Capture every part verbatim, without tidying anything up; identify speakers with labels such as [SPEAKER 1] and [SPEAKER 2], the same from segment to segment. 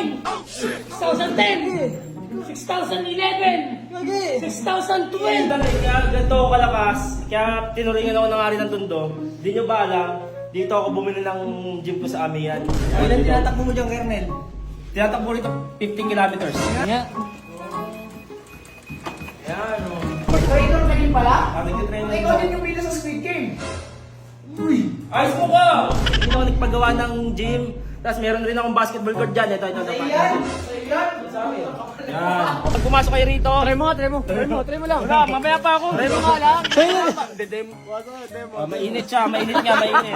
[SPEAKER 1] nine, six thousand ten, six thousand eleven, six thousand twelve.
[SPEAKER 2] Kaya ganito ako kalakas, kaya tinuringan ako ng Ari ng Tondo. Di nyo ba alam, dito ako bumili ng gym ko sa Amihan.
[SPEAKER 3] Ilan tinatakbo mo dyan, Kernel?
[SPEAKER 2] Tinatakbo rito fifteen kilometers.
[SPEAKER 1] Nga.
[SPEAKER 2] Yan o.
[SPEAKER 3] Trainer ka din pala?
[SPEAKER 2] Ah, nag-train na
[SPEAKER 3] Ikaw din yung pila sa Squid Game.
[SPEAKER 2] ayos mo ka! Hindi ako nagpagawa ng gym. Tapos meron rin akong basketball court dyan. Ito, ito, ito.
[SPEAKER 3] Sa iyan? Sa iyan?
[SPEAKER 2] Yan. Pag pumasok kayo rito,
[SPEAKER 1] Try mo nga, try mo. Try mo, try mo lang.
[SPEAKER 2] wala, mamaya pa ako.
[SPEAKER 1] Try mo nga lang.
[SPEAKER 2] Dedem. Oh, mainit siya, mainit nga, mainit.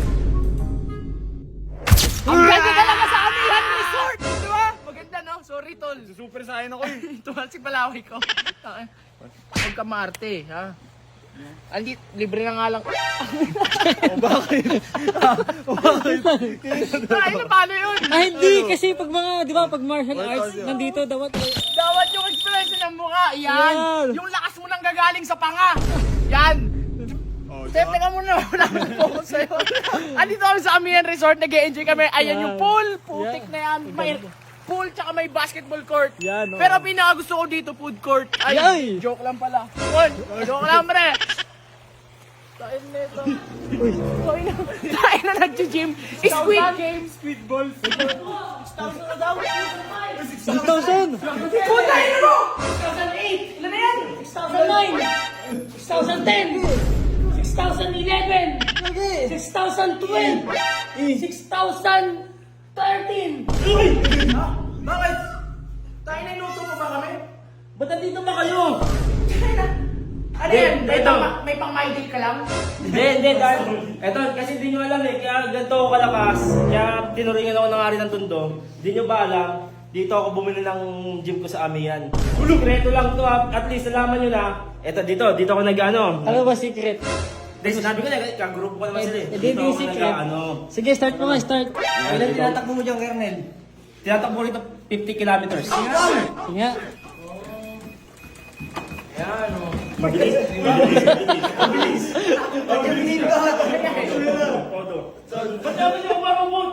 [SPEAKER 1] Ang ganda talaga sa Amihan Resort! Di ba? Maganda, no? Sorry, tol.
[SPEAKER 2] Super sa akin ako eh.
[SPEAKER 1] Tumalsik palaway ko. Huwag ka maarte, ha? Andi, libre na nga lang.
[SPEAKER 2] O bakit? O bakit?
[SPEAKER 1] Ay, na paano yun?
[SPEAKER 4] Ah, hindi. Kasi pag mga, di ba, pag martial arts, nandito, dapat.
[SPEAKER 1] Dawat yung expression ng mukha. Yan.
[SPEAKER 4] Yan.
[SPEAKER 1] Yung lakas mo nang gagaling sa panga. Yan. Step, teka muna. Wala nang focus sa'yo. Andito kami sa Amihan Resort. Nag-e-enjoy kami. Ayan yung pool. Putik na yan. May pool tsaka may basketball court.
[SPEAKER 4] Yan, oh.
[SPEAKER 1] Pero pinaka gusto ko dito, food court. Ay,
[SPEAKER 4] Yay!
[SPEAKER 1] joke lang pala. Yun, joke lang, pre. Tain na ito. Tain na. Tain na nag-gym. Squid Game.
[SPEAKER 2] Squid balls.
[SPEAKER 1] six thousand na daw.
[SPEAKER 4] six thousand!
[SPEAKER 1] Puta, yun mo! six thousand eight. Ilan na yan? six thousand nine. six thousand ten. six thousand eleven. six thousand twelve. six thousand thirteen.
[SPEAKER 2] Ha? Bakit?
[SPEAKER 1] Tayo na inuto mo ba kami?
[SPEAKER 2] Ba't nandito ba kayo?
[SPEAKER 1] Ano yan? May
[SPEAKER 2] Ito.
[SPEAKER 1] pang, may pang my day ka lang?
[SPEAKER 2] Hindi, hindi, dahil, eto, kasi di nyo alam eh, kaya ganito ako kalakas, kaya tinuringan ako ng Ari ng Tondo. Di nyo ba alam, dito ako bumili ng gym ko sa Amihan. Sekreto lang to ha, at least nalaman nyo na, eto dito, dito ako nag-ano.
[SPEAKER 4] Ano ba secret?
[SPEAKER 2] Dahil sinabi ko na, kagrupo ko naman sila eh.
[SPEAKER 4] Eh,
[SPEAKER 2] Dito
[SPEAKER 4] di
[SPEAKER 2] ako
[SPEAKER 4] secret.
[SPEAKER 2] nag-ano.
[SPEAKER 4] Sige, start mo nga, start.
[SPEAKER 3] Ilan tinatakbo mo dyan, Kernel?
[SPEAKER 2] Tinatakbo rito fifty kilometers.
[SPEAKER 4] Nga.
[SPEAKER 2] Yan o.
[SPEAKER 3] Pagkainin ka!
[SPEAKER 2] Odo. Ba't naman yung marumot?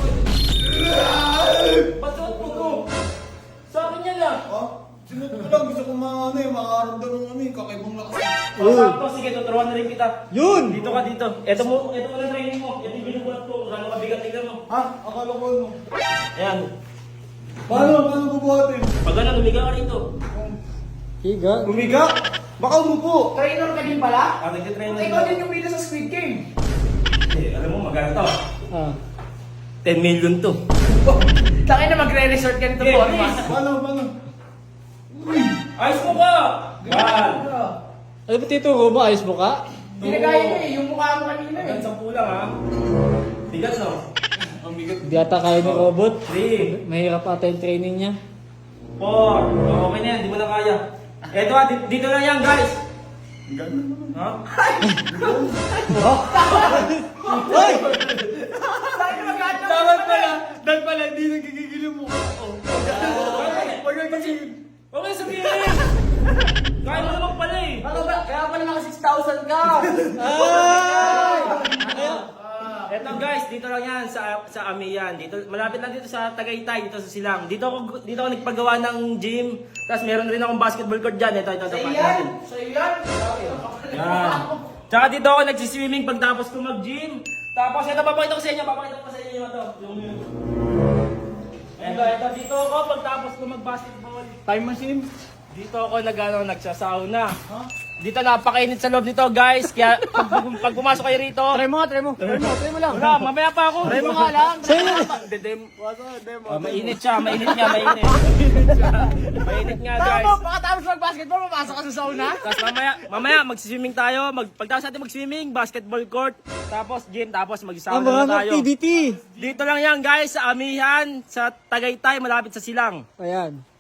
[SPEAKER 2] Ba't sa puto? Sa akin yan ah.
[SPEAKER 5] Ha? Sinot ko lang, gusto ko mga ano eh, makaramdam ng ano eh, kakaibang lakas.
[SPEAKER 2] Oh, sakto, sige, tuturuan na rin kita.
[SPEAKER 4] Yun!
[SPEAKER 2] Dito ka dito. Ito mo, ito mo na training mo. Ito yung binubulat ko. Kung gaano kabigat, tignan mo.
[SPEAKER 5] Ha? Akala ko ano?
[SPEAKER 2] Ayan.
[SPEAKER 5] Paano? Paano bubuhatin?
[SPEAKER 2] Pag ano, lumiga ka rito.
[SPEAKER 4] Higa.
[SPEAKER 5] Umiga? Baka umupo.
[SPEAKER 1] Trainer ka din pala?
[SPEAKER 2] Ah, nagtitrain na
[SPEAKER 1] Ikaw din yung pila sa Squid Game.
[SPEAKER 2] Eh, alam mo, magana to.
[SPEAKER 4] Ah.
[SPEAKER 2] ten million to.
[SPEAKER 1] Tangin na magre-resort ka nito
[SPEAKER 2] Okay,
[SPEAKER 1] po.
[SPEAKER 2] please.
[SPEAKER 5] Paano? Paano?
[SPEAKER 2] Ayos mo ka! Yan!
[SPEAKER 4] Ano ba tituro mo? Ayos mo ka?
[SPEAKER 1] Hindi na kaya mo eh. Yung mukha mo kanina eh.
[SPEAKER 2] Hanggang sampu lang ha. Bigat no?
[SPEAKER 5] Ang bigat.
[SPEAKER 4] Hindi ata kaya ni robot.
[SPEAKER 2] three,
[SPEAKER 4] Mahirap ata yung training niya.
[SPEAKER 2] four, oh, okay na yan, di mo na kaya. Eto ha, di- dito lang yan guys.
[SPEAKER 5] Ganun.
[SPEAKER 2] Ha?
[SPEAKER 4] Hoy!
[SPEAKER 1] Tangin na mag-aat na.
[SPEAKER 5] Dapat pala, dapat pala, hindi nagigigil yung mukha ko. Pag nagigigil.
[SPEAKER 2] Okay, sabihin! Kaya mo naman pala eh.
[SPEAKER 1] Ano ba? Kaya pala naka six thousand ka.
[SPEAKER 4] Ay!
[SPEAKER 2] Eto guys, dito lang yan sa sa Amihan. Dito malapit lang dito sa Tagaytay, dito sa Silang. Dito ako dito ako nagpagawa ng gym. Tapos meron rin akong basketball court diyan. Ito ito ito.
[SPEAKER 1] Sa
[SPEAKER 2] pakita
[SPEAKER 1] iyan.
[SPEAKER 2] natin.
[SPEAKER 1] Sa iyan.
[SPEAKER 2] Yan. Tsaka dito ako nagsi-swimming pagtapos ko mag-gym. Tapos ito papakita ko sa inyo, papakita ko sa inyo ito. Yung Ito, ito dito ako pagtapos ko mag-basketball.
[SPEAKER 4] Time machine.
[SPEAKER 2] Dito ako nag-ano, nagsasauna. Dito napakainit sa loob nito, guys. Kaya pag, pag pumasok kayo rito,
[SPEAKER 4] Try mo nga, try mo. Try mo, try mo lang.
[SPEAKER 2] wala, mamaya pa ako.
[SPEAKER 4] Try mo nga lang. Sa'yo.
[SPEAKER 2] Dedem.
[SPEAKER 5] Wasa, demo.
[SPEAKER 2] Oh, mainit siya, mainit nga, mainit. Mainit nga, guys.
[SPEAKER 1] Tama, pagkatapos mag-basketball, papasok ka sa sauna.
[SPEAKER 2] Tapos mamaya, mamaya mag-swimming tayo. Mag, pagtapos natin mag-swimming, basketball court, tapos gym, tapos
[SPEAKER 4] Ang
[SPEAKER 2] mag-sauna
[SPEAKER 4] mga
[SPEAKER 2] na tayo.
[SPEAKER 4] activity.
[SPEAKER 2] Dito lang yan, guys, sa Amihan, sa Tagaytay, malapit sa Silang.
[SPEAKER 4] Ayan.